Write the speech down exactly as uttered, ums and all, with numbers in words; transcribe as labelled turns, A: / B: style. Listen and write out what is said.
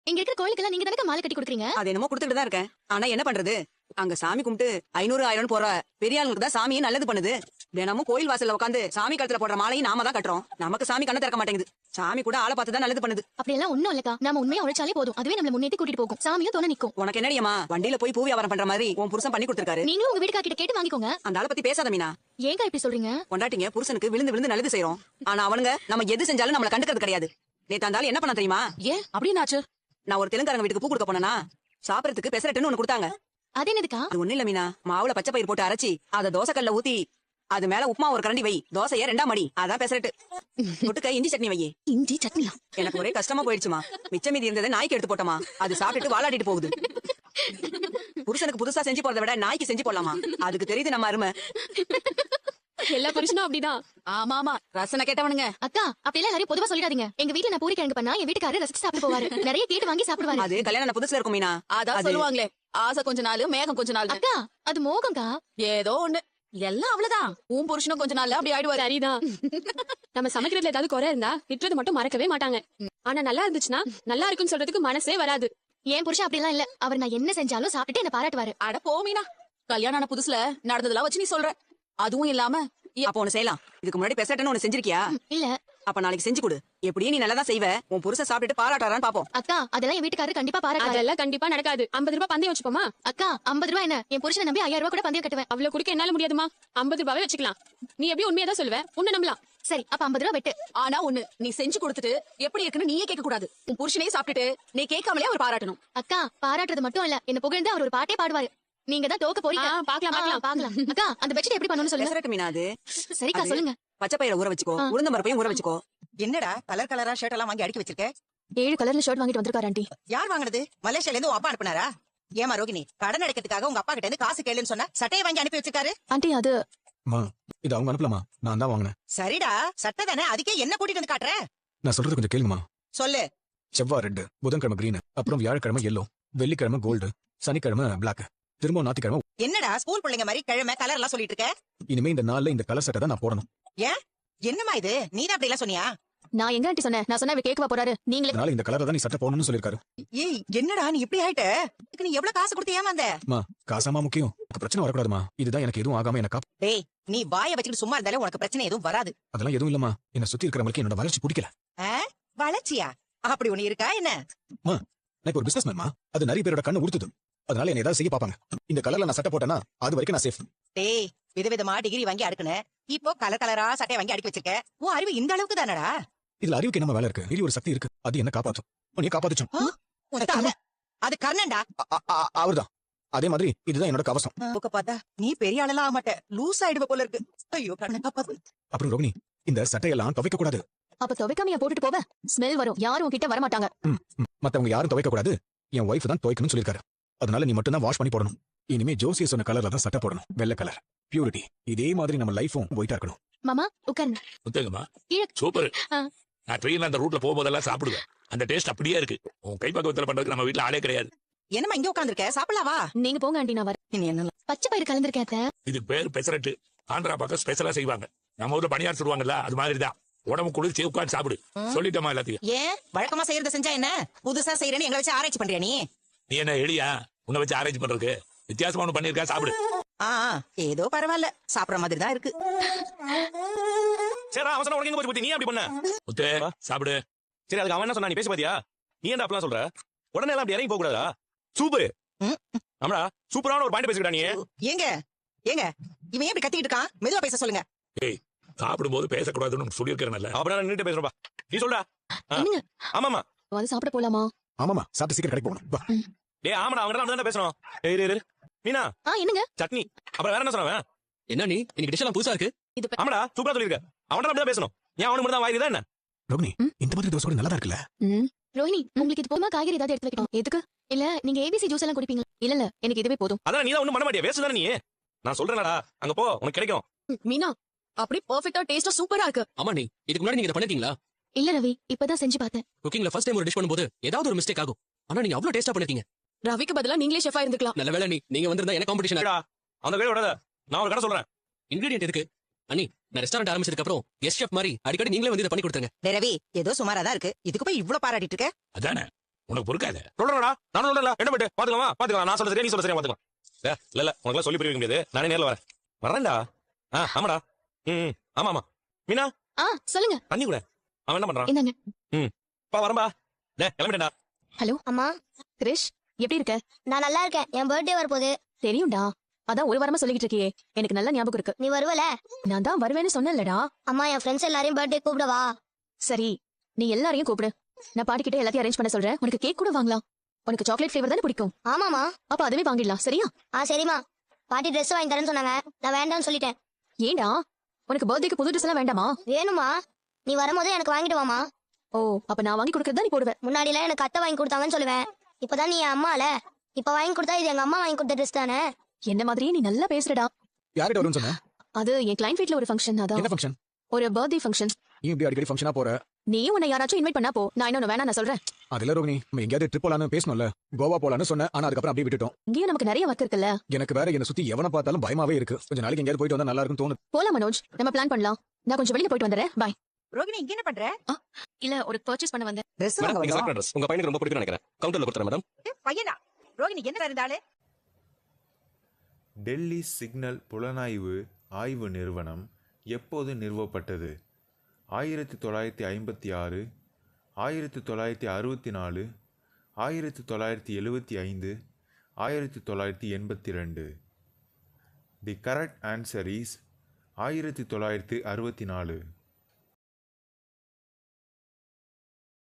A: இங்க இருக்கிற கோயிலுக்கெல்லாம் நீங்க தானே மாலை கட்டி கொடுக்குறீங்க.
B: அது என்னமோ கொடுத்துட்டு தான் இருக்கேன். ஆனா என்ன பண்றது, அங்க சாமி கும்பிட்டு ஐநூறு ஆயிரம் போற பெரிய ஆளுங்களுக்கு தான் சாமியே நல்லது பண்ணுது. தினமும் கோயில் வாசல்ல உட்காந்து சாமி கழுத்துல போடுற மாலையும் நாம தான் கட்டுறோம். நமக்கு சாமி கண்ண திறக்க மாட்டேங்குது. சாமி கூட ஆளை பார்த்து தான் நல்லது பண்ணுது.
A: அப்படி எல்லாம் ஒண்ணும் இல்லக்கா, நாம உண்மையா உழைச்சாலே போதும், அதுவே நம்மள முன்னேத்தி கூட்டிட்டு போகும். சாமியும் தோண நிக்கும்.
B: உனக்கு என்னடியம்மா, வண்டியில போய் பூ வியாபாரம் பண்ற மாதிரி உன் புருஷன் பண்ணி கொடுத்திருக்காரு.
A: நீங்களும் உங்க வீட்டுக்கார கிட்ட கேட்டு வாங்கிக்கோங்க.
B: அந்த ஆளை பத்தி பேசாத மீனா.
A: ஏங்க இப்படி சொல்றீங்க?
B: கொண்டாட்டிங்க புருஷனுக்கு விழுந்து விழுந்து நல்லது செய்யறோம். ஆனா அவனுங்க நம்ம எது செஞ்சாலும் நம்மள கண்டுக்கிறது கிடையாது. நேத்து அந்த ஆளு என்ன பண்ண தெரியுமா?
C: ஏன் அப்படின்னாச்சு?
B: நான் ஒரு தெலுங்காரங்க வீட்டுக்கு பூ கொடுக்க போனா சாப்பிடறதுக்கு பெசரட்டுன்னு ஒண்ணு கொடுத்தாங்க.
A: அது என்னதுக்கா?
B: அது ஒண்ணு இல்ல மீனா, மாவுல பச்சை பயிர் போட்டு அரைச்சி அத தோசை கல்ல ஊத்தி அது மேல உப்புமா ஒரு கரண்டி வை, தோசைய ரெண்டா மடி, அதான் பெசரட்டு. தொட்டுக்க இஞ்சி சட்னி வை.
A: இஞ்சி சட்னியா?
B: எனக்கு ஒரே கஷ்டமா போயிடுச்சுமா. மிச்சம் மீதி இருந்ததை நாய்க்கு எடுத்து போட்டோமா, அது சாப்பிட்டுட்டு வாலாடிட்டு போகுது. புருஷனுக்கு புதுசா செஞ்சு போறதை விட நாய்க்கு செஞ்சு போடலாமா, அதுக்கு தெரியுது நம்ம அருமை.
D: எல்லா புருஷனும் அப்படிதான்.
C: ஆமா ஆமா, ரசனை கேட்டவனுங்க.
A: அக்கா அப்படியெல்லாம் எல்லாரும் பொதுவா சொல்லிடாதீங்க. எங்க வீட்டுல நான் பூரி கிழங்கு பண்ணா என் வீட்டுக்காரர் ரசிச்சு சாப்பிட்டு போவாரு. நிறைய கேட்டு வாங்கி சாப்பிடுவாரு.
B: அது கல்யாணம் புதுசுல இருக்கும் மீனா.
C: அதான் சொல்லுவாங்களே, ஆசை கொஞ்ச நாள் மேகம் கொஞ்ச நாள்.
A: அக்கா அது மோகம்க்கா.
C: ஏதோ ஒண்ணு, எல்லாம் அவ்வளவுதான். உன் புருஷனும் கொஞ்ச நாள்ல அப்படி ஆயிடுவாரு.
D: சரிதான். நம்ம சமைக்கிறதுல ஏதாவது குறை இருந்தா திட்டுறது மட்டும் மறக்கவே மாட்டாங்க. ஆனா நல்லா இருந்துச்சுன்னா நல்லா இருக்குன்னு சொல்றதுக்கு மனசே வராது.
A: என் புருஷன் அப்படி எல்லாம் இல்ல. அவர் நான் என்ன செஞ்சாலும் சாப்பிட்டுட்டு என்ன பாராட்டுவாரு.
C: அட போமீனா, கல்யாணம் ஆன புதுசுல நடந்ததெல்லாம் வச்சு நீ சொல்ற. அதுவும் இல்லாம
B: அப்ப ஒண்ணு செய்யலாம். இதுக்கு முன்னாடி பெசரட்டுன்னு ஒண்ணு செஞ்சிருக்கியா?
A: இல்ல.
B: அப்ப நாளைக்கு செஞ்சு கொடு. எப்படியும் நீ நல்லதா செய்வ. உன் புருஷன் சாப்பிட்டுட்டு பாராட்டாரான்னு பாப்போம்.
A: அக்கா அதெல்லாம் என் வீட்டுக்காரர் கண்டிப்பா பாராட்டுவாரு.
D: அதெல்லாம் கண்டிப்பா நடக்காது. ஐம்பது ரூபாய் பந்தயம் வச்சுப்போமா?
A: அக்கா ஐம்பது ரூபாய் என்ன, என் புருஷனை நம்பி ஐயாயிரம் ரூபாய் கூட பந்தயம் கட்டுவேன்.
D: அவ்வளவு குடுக்க என்னால முடியாதுமா. ஐம்பது ரூபாவே வச்சுக்கலாம். நீ எப்படி உண்மையதான் சொல்லுவ, உன்னை நம்பலாம்.
A: சரி அப்ப ஐம்பது ரூபாய் வெட்டு.
C: ஆனா ஒண்ணு, நீ செஞ்சு கொடுத்துட்டு எப்படி இருக்குன்னு நீயே கேட்க கூடாது. உன் புருஷனே சாப்பிட்டுட்டு நீ கேட்காமலே அவர் பாராட்டணும்.
A: அக்கா பாராட்டுறது மட்டும் இல்ல, என்ன புகழ்ந்து அவர் ஒரு பாட்டே பாடுவாரு. நீங்க தான் தோக்க போறீங்க.
D: ஆ, பாக்கலாம் பாக்கலாம்
A: பாக்கலாம். அக்கா அந்த பெட்ஷீட் எப்படி பண்ணணும்னு சொல்லுங்க.
B: பெசரட்டு மீனா அது.
A: சரிக்கா சொல்லுங்க.
B: பச்சை பயிரை ஊற வச்சுக்கோ, உளுந்த பருப்பையும் ஊற வச்சுக்கோ.
E: என்னடா கலர் கலரா ஷர்ட் எல்லாம் வாங்கி அடுக்கி வச்சிருக்க?
A: ஏழு கலர்ல ஷர்ட் வாங்கிட்டு வந்திருக்காரு ஆண்டி.
E: யார் வாங்குனது? மலேசியால இருந்து உன் அப்பா அனுப்புனாரா? ஏமா ரோகிணி, கடன் அடைக்கிறதுக்காக உங்க அப்பா கிட்ட இருந்து காசு கேளுன்னு சொன்னா சட்டையை வாங்கி அனுப்பி வச்சிருக்காரு.
A: ஆண்டி அது
F: மா, இது அவங்க அனுப்பலாமா? நான் தான் வாங்கினேன்.
E: சரிடா, சட்டை தானே, அதுக்கே என்ன கூட்டிட்டு வந்து காட்டுற?
F: நான் சொல்றது கொஞ்சம் கேளுங்கம்மா.
E: சொல்லு.
F: செவ்வாய் ரெட்டு, புதன்கிழமை கிரீன், அப்புறம் வியாழக்கிழமை எல்லோ, வெள்ளிக்கிழமை கோல்டு, சனிக்கிழமை பிளாக், திரும்ப ஞாயிற்றுக்கிழமை.
E: என்னடா ஸ்கூல் பிள்ளைங்க மாதிரி கிழமை கலர் எல்லாம் சொல்லிட்டு இருக்க?
F: இனிமே இந்த நாள்ல இந்த கலர் சட்டை தான் நான் போடணும்.
E: ஏன், என்னமா இது, நீதான் அப்படி எல்லாம் சொன்னியா?
A: நான் எங்க ஆண்டி சொன்னேன்? நான் சொன்னா இவர் கேட்கவா போறாரு? நீங்களே
F: அதனால இந்த கலரை தான் நீ சட்டை போடணும்னு சொல்லிருக்காரு.
E: ஏய் என்னடா நீ இப்படி ஆயிட்ட? இதுக்கு நீ எவ்வளவு காசு கொடுத்து ஏமாந்த?
F: மா, காசாமா முக்கியம், எனக்கு பிரச்சனை வரக்கூடாதுமா. இதுதான் எனக்கு எதுவும் ஆகாம எனக்கு.
E: டேய், நீ வாயை வச்சுக்கிட்டு சும்மா இருந்தாலே உனக்கு பிரச்சனை எதுவும் வராது.
F: அதெல்லாம் எதுவும் இல்லம்மா. என்ன சுத்தி இருக்கிறவங்களுக்கு என்னோட வளர்ச்சி பிடிக்கல.
E: வளர்ச்சியா? அப்படி ஒண்ணு இருக்கா என்ன?
F: மா, நான் இப்ப ஒரு பிசினஸ் மேன்மா, அது நிறைய பேரோட கண்ணு உறுத்துது. அதனால என்ன ஏதாவது செய்ய பாப்பாங்க. இந்த கலர்ல நான் சட்டை போட்டேன்னா அது வரைக்கும் நான் சேஃப்.
E: டேய், விதவிதமா டிகிரி வாங்கி அடுக்குன, இப்போ கலர் கலரா சட்டை வாங்கி அடுக்கி வச்சிருக்க. உன் அறிவு இந்த அளவுக்கு தானடா?
F: இதுல அறிவுக்கு என்ன வேலை இருக்கு? இது ஒரு சக்தி இருக்கு, அது என்ன காப்பாத்தும். நீ காப்பாத்துச்சோம்.
E: அது கர்ணன்டா.
F: அவர்தான். அதே மாதிரி இதுதான் என்னோட கவசம்.
E: புக்க பார்த்தா நீ பெரிய ஆளெல்லாம் ஆக மாட்ட, லூஸ் ஆயிடுவ போல இருக்கு. ஐயோ கர்ணன் காப்பாத்து.
F: அப்புறம் ரோகிணி, இந்த சட்டையெல்லாம் துவைக்க கூடாது.
A: அப்ப துவைக்காமையா போட்டுட்டு போவ? ஸ்மெல் வரும், யாரும் உன்கிட்ட வர மாட்டாங்க.
F: மத்தவங்க யாரும் துவைக்க கூடாது, என் ஒய்ஃப் தான் துவைக்கணும்னு சொல்லிருக்காரு. அதனால நீ மட்டும் தான் வாஷ் பண்ணி போடணும். இனிமே ஜோசிய சொன்ன கலர்ல தான் சட்டை போடணும், வெள்ளை கலர். பியூரிட்டி. இதே மாதிரி நம்ம லைஃபும் ஒயிட்டா இருக்கணும்.
A: மாமா உட்காருங்க.
G: முத்தங்கம்மா,
A: கீழே.
G: சூப்பர்.
A: ஆ.
G: நான் ட்ரெயின்ல அந்த ரூட்ல போகும்போதெல்லாம் சாப்பிடுவேன். அந்த டேஸ்ட் அப்படியே இருக்கு. உன் கைப்பக்குவத்துல பண்றதுக்கு நம்ம வீட்டுல ஆளே கிடையாது.
E: என்னமா இங்க உட்கார்ந்திருக்க? சாப்பிடலாவா?
A: நீங்க போங்க ஆண்டி, நான் வரேன்.
E: நீ என்ன
A: பச்சை பயிர் கலந்திருக்கேன் அத்தை.
G: இது பேர் பெசரட்டு. ஆந்திரா பக்கம் ஸ்பெஷலா செய்வாங்க. நம்ம ஊர்ல பணியார் சொல்லுவாங்கல்ல, அது மாதிரிதான். உடம்பு குளிர்ச்சி, உட்காந்து சாப்பிடு. சொல்லிட்டோமா எல்லாத்தையும்?
E: ஏன் வழக்கமா செய்யறத செஞ்சா என்ன, புதுசா செய்யறேன்னு எங்களை வச்சு ஆராய்ச்சி பண்றியா நீ?
G: நீ என்ன எளியா உன்னை வச்சு அரேஞ்ச் பண்றதுக்கு? வித்தியாசமா ஒண்ணு பண்ணிருக்கா, சாப்பிடு.
E: ஆ ஏதோ பரவாயில்ல, சாப்பிடுற மாதிரி தான் இருக்கு.
H: சரி அவசரம் உனக்கு எங்க போச்சு புத்தி? நீ அப்படி பண்ண
G: முத்து, சாப்பிடு.
H: சரி அதுக்கு அவன் என்ன சொன்னா? நீ பேசி பாத்தியா? நீ என்ன அப்பலாம் சொல்ற? உடனே எல்லாம் அப்படி இறங்கி போக கூடாதா? சூப்பர். ஆமாடா, சூப்பரான ஒரு பாயிண்ட் பேசிக்கிட்டா நீ.
E: ஏங்க ஏங்க இவன் ஏன் இப்படி கத்திக்கிட்டு இருக்கான்? மெதுவா பேச சொல்லுங்க.
G: ஏய், சாப்பிடும் போது பேசக்கூடாதுன்னு சொல்லியிருக்கிறேன்ல.
H: அப்படின்னா நின்னுட்டு பேசுறப்பா. நீ சொல்றா.
A: என்னங்க
H: ஆமாமா,
A: வந்து சாப்பிட போலாமா?
F: ஆமாமா, சாப்பிட்டு சீக்கிரம் கடைக்கு போகணும். வா.
H: டேய் ஆமாடா, அவங்க தான் பேசணும். ஏய் இரு, இரு. மீனா,
A: ஆ என்னங்க
H: சட்னி. அப்புறம் வேற என்ன சொன்னவன்?
I: என்ன நீ இன்னைக்கு டிஷ் எல்லாம் புதுசா இருக்கு?
A: இது ப-
H: ஆமாடா, சூப்பரா சொல்லிருக்க. அவன் அப்படிதான் பேசணும். ஏன் அவனுக்கு மட்டும் தான் வாய் தான் என்ன?
F: ரோகிணி, இந்த மாதிரி தோசை நல்லா இருக்குல்ல?
A: ம். ரோஹிணி உங்களுக்கு இது போதுமா? காய்கறி ஏதாவது எடுத்து வைக்கணும்? எதுக்கு? இல்ல நீங்க ஏபிசி ஜூஸ் எல்லாம் குடிப்பீங்க? இல்ல இல்ல எனக்கு இதுவே போதும்.
H: அதான் நீ தான் ஒண்ணும் பண்ண மாட்டியா, வேஸ்ட் தானே நீ. நான் சொல்றேன்டா, அங்க போ, உனக்கு கிடைக்கும்.
C: மீனா, அப்படி பெர்ஃபெக்ட்டா டேஸ்டா சூப்பரா இருக்கு.
I: ஆமா நீ இதுக்கு முன்னாடி நீங்க இத பண்ணிருக்கீங்களா?
A: இல்ல ரவி, இப்பதான் செஞ்சு பார்த்தேன்.
I: குக்கிங்ல ஃபர்ஸ்ட் டைம் ஒரு டிஷ் பண்ணும்போது ஏதாவது ஒரு மிஸ்டேக் ஆகும். ஆனா நீங்க அவ்வளவு டேஸ்டா பண்ணிருக்கீங்க.
C: ரவிக்கு பதிலா நீங்களே ஷெஃபா இருந்துக்கலாம்.
I: நல்ல வேளை நீ நீங்க வந்திருந்தா எனக்கு காம்படிஷன்.
H: டா, அந்த கையில விடாத. நான் ஒரு கடை சொல்றேன்.
I: இன்கிரிடியன்ட் இருக்கு. அண்ணி, நான் ரெஸ்டாரண்ட் ஆரம்பிச்சதுக்கு அப்புறம் கெஸ்ட் ஷெஃப் மாதிரி அடிக்கடி நீங்களே வந்து இத பண்ணி கொடுத்துருங்க.
E: ரவி ஏதோ சுமாரா தான் இருக்கு, இதுக்கு போய் இவ்ளோ பாராட்டிட்டு இருக்க?
G: அதானே உனக்கு பொறுக்காத.
H: சொல்றேன்டா, நானும் சொல்றேன்ல, என்ன போயிட்டு பாத்துக்கலாமா, பாத்துக்கலாம். நான் சொல்றது சரியா, நீ சொல்றது சரியா பாத்துக்கலாம். ஏ, இல்ல இல்ல உனக்கு சொல்லி புரிய வைக்க முடியாது, நானே நேர்ல வரேன். வரேன்டா. ஆ, ஆமாடா. ம் ம், ஆமா ஆமா. மீனா,
A: ஆ சொல்லுங்க.
H: தண்ணி கூட. அவன் என்ன பண்றான்?
A: இந்தாங்க.
H: ம், பா வரம்பா. டே, கிளம்பிட்டேன்டா.
A: ஹலோ
J: அம்மா,
A: கிரிஷ், எப்படி இருக்க?
J: நான் நல்லா இருக்கேன். என் பர்த்டே வரப்போகுது.
A: தெரியும்டா, அதான் ஒரு வாரமா சொல்லிக்கிட்டு இருக்கியே, எனக்கு நல்லா ஞாபகம் இருக்கு.
J: நீ வருவல?
A: நான் தான் வருவேன்னு சொன்னேன்லடா.
J: அம்மா, என் ஃப்ரெண்ட்ஸ் எல்லாரையும் பர்த்டே கூப்பிடவா?
A: சரி, நீ எல்லாரையும் கூப்பிடு. நான் பாட்டிக்கிட்ட எல்லாத்தையும் அரேஞ்ச் பண்ண சொல்றேன். உனக்கு கேக் கூட வாங்கலாம். உனக்கு சாக்லேட் ஃபிளேவர் தானே பிடிக்கும்?
J: ஆமாமா.
A: அப்ப அதுவே வாங்கிடலாம், சரியா?
J: ஆ சரிம்மா. பாட்டி ட்ரெஸ் வாங்கி தரேன்னு சொன்னாங்க, நான் வேண்டாம்னு சொல்லிட்டேன்.
A: ஏண்டா, உனக்கு பர்த்டேக்கு புது ட்ரெஸ் எல்லாம் வேண்டாமா?
J: வேணுமா? நீ வரும்போது எனக்கு வாங்கிட்டு வாமா.
A: ஓ, அப்ப நான் வாங்கி கொடுக்கறதா நீ போடுவ?
J: முன்னாடிலாம் எனக்கு அத்தை வாங்கி கொடுத்தாங்கன்னு சொல்லுவேன். இப்பதான் நீ என் அம்மால. இப்ப வாங்கி கொடுத்தா இது எங்க அம்மா வாங்கி கொடுத்த ட்ரெஸ் தானே.
A: என்ன மாதிரியே நீ நல்லா பேசுறடா.
F: யார்கிட்ட வரும்னு சொன்ன?
A: அது என் கிளைண்ட் வீட்ல ஒரு ஃபங்க்ஷன்.
F: என்ன
A: அதான்
F: ஃபங்க்ஷன்?
A: ஒரு பர்த்டே ஃபங்க்ஷன்.
F: நீ இப்படி அடிக்கடி ஃபங்க்ஷனா போற?
A: நீ உன்னை யாராச்சும் இன்வைட் பண்ணா போ, நான் இன்னொன்னு வேணா நான் சொல்றேன்.
F: அதுல ரோகிணி, நம்ம எங்கேயாவது ட்ரிப் போலான்னு பேசணும்ல, கோவா போலான்னு சொன்ன, ஆனா அதுக்கப்புறம் அப்படியே விட்டுட்டோம்.
A: இங்கேயும் நமக்கு நிறைய ஒர்க் இருக்குல்ல.
F: எனக்கு வேற என்ன சுத்தி எவனை பார்த்தாலும் பயமாவே இருக்கு. கொஞ்ச நாளைக்கு எங்கேயாவது போயிட்டு வந்தா நல்லா இருக்கும்னு தோணுது.
A: போலாம் மனோஜ், நம்ம பிளான் பண்ணலாம். நான் கொஞ்சம் வெளியில போயிட்டு வந்துடுறேன். பாய்.
E: ரோகிணி, இங்க என்ன பண்ற?
A: இல்ல, ஒரு பர்ச்சேஸ் பண்ண வந்தேன்.
B: ட்ரெஸ்
H: மேடம்,
B: வாங்க
H: நீங்க
B: வந்தோம்.
H: செலக்ட் ட்ரெஸ் உங்க பையனுக்கு ரொம்ப பிடிக்கும்னு நினைக்கிறேன். கவுண்டர்ல கொடுத்துறேன் மேடம்.
E: ஏ, பையனா? ரோகிணி என்ன இருந்தாலே?
K: டெல்லி சிக்னல் புலனாய்வு ஆய்வு நிறுவனம் எப்போது நிறுவப்பட்டது? ஆயிரத்தி தொள்ளாயிரத்தி ஐம்பத்தி ஆறு, ஆயிரத்தி தொள்ளாயிரத்தி அறுபத்தி நாலு, ஆயிரத்தி தொள்ளாயிரத்தி எழுபத்தி ஐந்து, ஆயிரத்தி தொள்ளாயிரத்தி எண்பத்தி ரெண்டு. தி கரெக்ட் ஆன்சர் இஸ் ஆயிரத்தி தொள்ளாயிரத்தி அறுபத்தி நாலு.